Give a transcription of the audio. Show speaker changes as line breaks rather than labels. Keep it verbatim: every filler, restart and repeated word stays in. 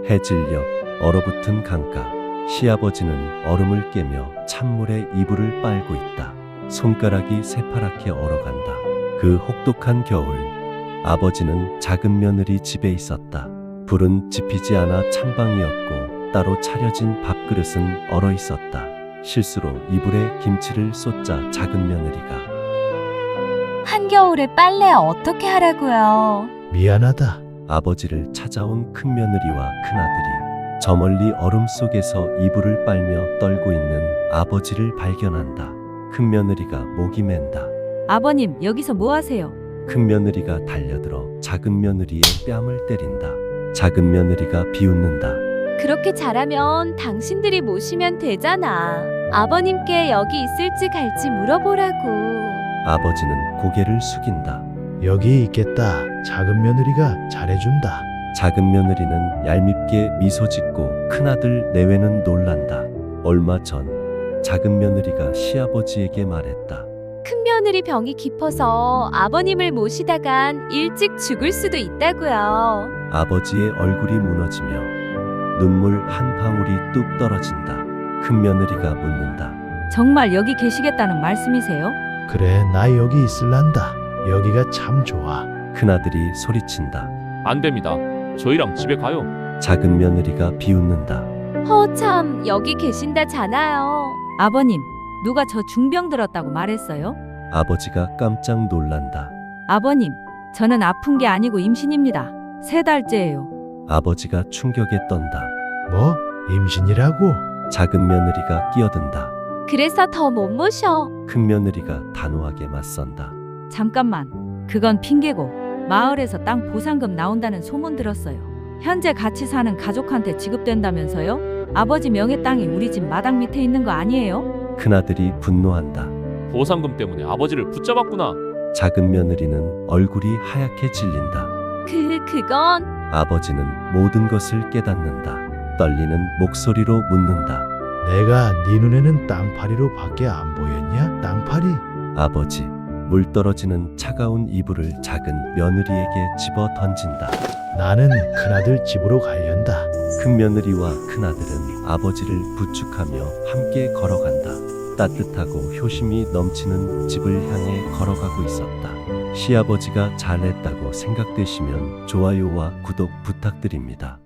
해질녘 얼어붙은 강가. 시아버지는 얼음을 깨며 찬물에 이불을 빨고 있다. 손가락이 새파랗게 얼어간다. 그 혹독한 겨울, 아버지는 작은 며느리 집에 있었다. 불은 지피지 않아 찬방이었고 따로 차려진 밥그릇은 얼어 있었다. 실수로 이불에 김치를 쏟자 작은 며느리가
한겨울에 빨래 어떻게 하라고요?
미안하다.
아버지를 찾아온 큰며느리와 큰아들이 저 멀리 얼음 속에서 이불을 빨며 떨고 있는 아버지를 발견한다. 큰며느리가 목이 맨다.
아버님, 여기서 뭐 하세요?
큰며느리가 달려들어 작은 며느리의 뺨을 때린다. 작은 며느리가 비웃는다.
그렇게 잘하면 당신들이 모시면 되잖아. 아버님께 여기 있을지 갈지 물어보라고.
아버지는 고개를 숙인다.
여기 있겠다. 작은 며느리가 잘해준다.
작은 며느리는 얄밉게 미소 짓고 큰아들 내외는 놀란다. 얼마 전 작은 며느리가 시아버지에게 말했다.
큰며느리 병이 깊어서 아버님을 모시다간 일찍 죽을 수도 있다고요.
아버지의 얼굴이 무너지며 눈물 한 방울이 뚝 떨어진다. 큰며느리가 묻는다.
정말 여기 계시겠다는 말씀이세요?
그래, 나 여기 있을란다. 여기가 참 좋아.
큰아들이 소리친다.
안 됩니다. 저희랑 집에 가요.
작은 며느리가 비웃는다.
허참, 여기 계신다잖아요.
아버님, 누가 저 중병 들었다고 말했어요?
아버지가 깜짝 놀란다.
아버님, 저는 아픈 게 아니고 임신입니다. 세 달째예요.
아버지가 충격에 떤다.
뭐? 임신이라고?
작은 며느리가 끼어든다.
그래서 더 못 모셔.
큰 며느리가 단호하게 맞선다.
잠깐만, 그건 핑계고 마을에서 땅 보상금 나온다는 소문 들었어요. 현재 같이 사는 가족한테 지급된다면서요? 아버지 명의 땅이 우리 집 마당 밑에 있는 거 아니에요?
큰아들이 분노한다.
보상금 때문에 아버지를 붙잡았구나.
작은 며느리는 얼굴이 하얗게 질린다.
그, 그건
아버지는 모든 것을 깨닫는다. 떨리는 목소리로 묻는다.
내가 네 눈에는 땅파리로 밖에 안 보였냐? 땅파리?
아버지, 물 떨어지는 차가운 이불을 작은 며느리에게 집어 던진다.
나는 큰아들 집으로 가련다.
큰 며느리와 큰아들은 아버지를 부축하며 함께 걸어간다. 따뜻하고 효심이 넘치는 집을 향해 걸어가고 있었다. 시아버지가 잘했다고 생각되시면 좋아요와 구독 부탁드립니다.